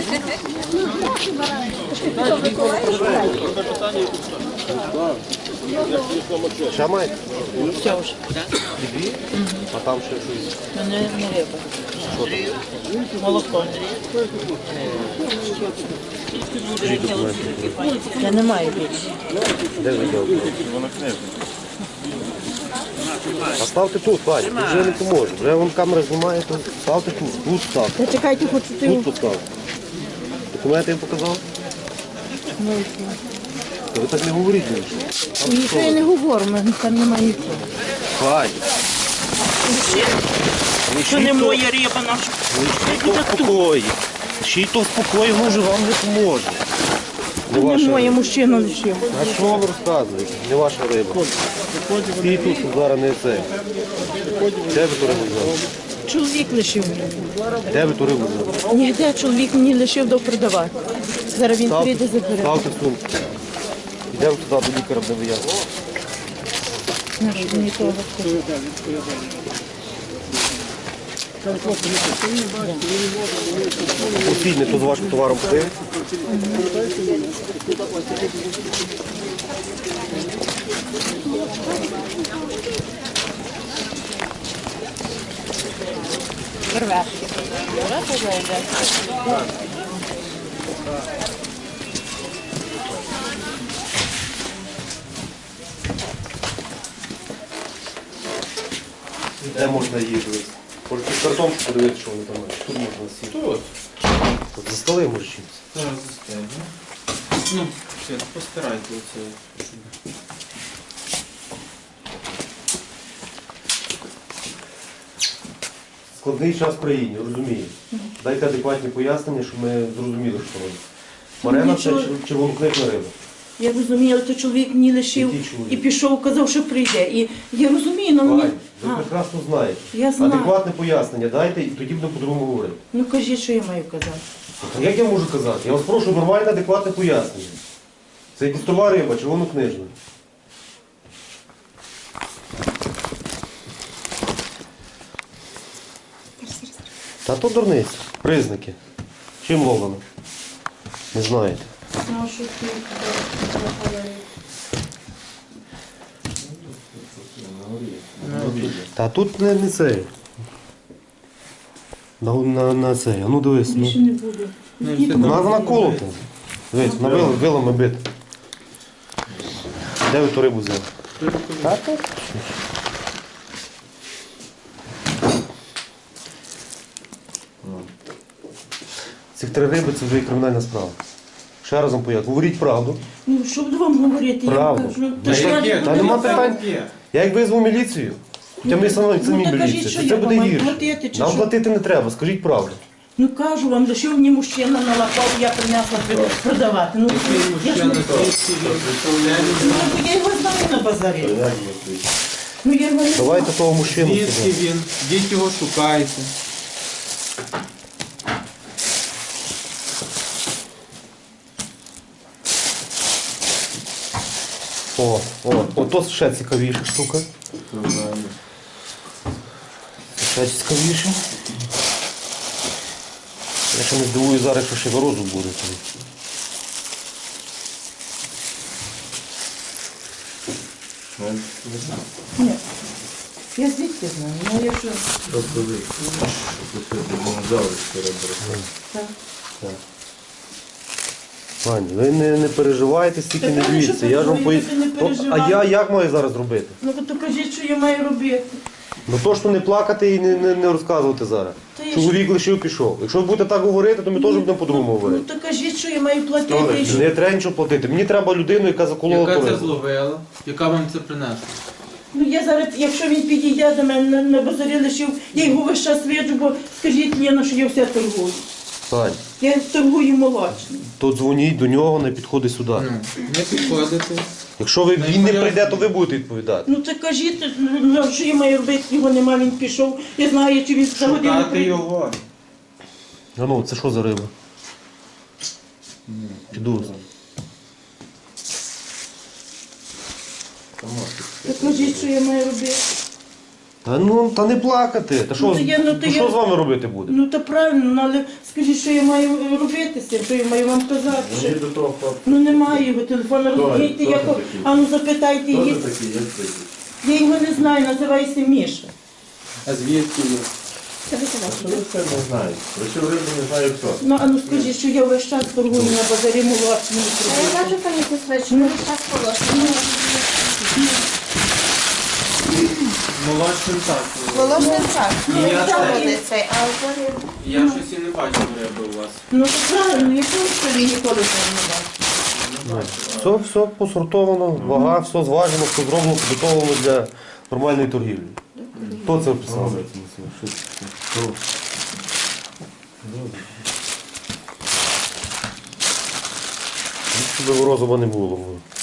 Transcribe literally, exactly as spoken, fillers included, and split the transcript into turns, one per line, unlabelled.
Ще маєте?
Все вже.
Дві? А там ще щось?
Мене не риба.
Що там?
Молоко.
Скажіть документи.
Я не маю більше.
Де ви дякую? А ставте тут, Ваня, тут вже не поможе. Вже вам камера знімає, то ставте тут, тут ставте.
Та чекайте, хочу ти.
Тут поставте. Документи їм показав? Та ви так не говоріть більше.
Нічого я не говорю, мене там немає нічого.
Ваня.
Що не моя риба наша.
Лишіть то в спокої. Лишіть то в спокої, воно вже вам не поможе. Не
Не
ваша
моє
риба.
мужчина лишив.
А що вам розказуєте? Не ваша риба. І тут зараз не це. Де ви ту рибу взяли?
Чоловік лишив.
Де ви ту рибу взяли?
Нігде чоловік мені лишив до продавати. Зараз він
Ставте,
прийде забере.
ставте сумку. Йдемо туди до лікаря, де ви є.
Знаєш, мені того.
Постійно, не то з вашим товаром ходив.
Креветки. Креветки зайде.
Де можна їжу? Може під картонку подивитися, що вони там мають. Тут можна сісти.
Тут.
Тут за столи може чимось.
Зараз застягну. Ну, все, постарайте оце. щоб-
Складний час в країні, розумію. Дайте адекватні пояснення, щоб ми зрозуміли, що робимо. Марена це
Нічого.
чер- червоноклетна риба.
Я розумію, але то чоловік мені лишив
Який чоловік?
і пішов, казав, що прийде. І я розумію, але мені...
Вань, ви
А,
прекрасно знаєте.
Я знаю.
Адекватне пояснення дайте і тоді будемо по-другому говорити.
ну кажіть, що я маю казати.
А як я можу казати? Я вас прошу нормальне, адекватне пояснення. Це кустова риба, червонокнижна. Та то дурниця. Признаки. Чим ловлено? Не знаєте.
Ну, що ти
Та тут не, не це. На, на, на це. А ну дивись. Ну.
більше не буде.
Ну,
Ні,
все
Вона, вона колота. Дивись, вона вила, вилами бита. Де ви ту рибу взяли? Та тут. Цих три риби це вже і кримінальна справа. Ще разом поясню. Говоріть правду.
Ну, що буду вам говорити?
Правду.
Я кажу,
Та
та що
яке?
я
Та
буду
нема
вам-
питань. Я як визву міліцію, хоча ми самі, самі
ну, та кажіть,
міліція,
що
то
я
це
вам
буде
маю
гірше.
платити, чи
Нам
що?
платити не треба, скажіть правду.
Ну кажу вам, лишив мені мужчина налапав, я принесла продавати. Ну, я ж не
Мужчина, звідки він? Представляє
Ну,
людину.
я його знаю на базарі. Ну, я його не
Давайте того мужчину
Звідки
сюди.
він? Йдіть його шукайте.
О, о, ото ще цікавіша штука. Ще цікавіше. Я ще не здивую зараз, якщо ще вирозу буде. тоді.
Ні. Я звідки знаю? Ну, я що? Так.
Ваня, ви не, не переживайте, стільки
Та
не
я
дивіться.
що
Я ж вам
переживаю,
поясню.
ви не
То- А
переживайте.
я як маю зараз робити?
Ну, то кажіть, що я маю робити.
Ну то, що не плакати і не, не, не розказувати зараз.
Та я
Чоловік лишив, пішов. Якщо ви будете так говорити, то ми теж будемо по-другому
Ну,
говорити.
то кажіть, що я маю платити. і що-
Не треба нічого платити. Мені треба людину, яка заколола
Яка
ту
це
рибу.
зловила? Яка вам це принесла?
Ну, я зараз, якщо він підійде до мене на, на базарі лишив, я його весь час виджу, бо скажіть, Ліна, що я все торгую.
Сань,
Я торгую молочним.
то дзвоніть до нього, не підходить сюди.
Ну, не підходите.
Якщо ви,
Ну,
він не
я-
прийде, то ви будете відповідати.
Ну, то кажіть, ну, що я маю робити, його нема, він пішов. Я знаю, чи він за годину
Шукати
прийде.
його.
А ну, це що за риба? Піду.
То кажіть, що я маю робити.
Та ну, та не плакати. Та що,
Ну, то я- ну, то
ну, що
я-
з вами робити буде?
Ну то правильно, ну, але скажіть, що я маю робити з цим, що я маю вам казати? Що...
Мені до того хлопця.
Ну немає його телефону, розумієте,
хто
як...
це такий?
А ну запитайте
Хто
її.
це такий, як такий?
Я його не знаю, називається Міша.
А звідки ви?
Що ви це не знаєте? Причому рибу не знаю хто.
Ну а ну скажіть, що я весь час торгую на базарі молочному
А я
продукті.
бачу, пані Косвич, ну так положено.
Молодшим так.
Положено так.
Ну,
Ну,
я
так
теж.
буде цей, а зараз...
Я щось і не бачив риби у вас.
Ну то правильно, я просто ніколи цього не бачу.
Все, все посортовано, вага, все зважено, все зроблено, підготовлено для нормальної торгівлі. Хто це писав? Що це? Хто? Щоб розума не було.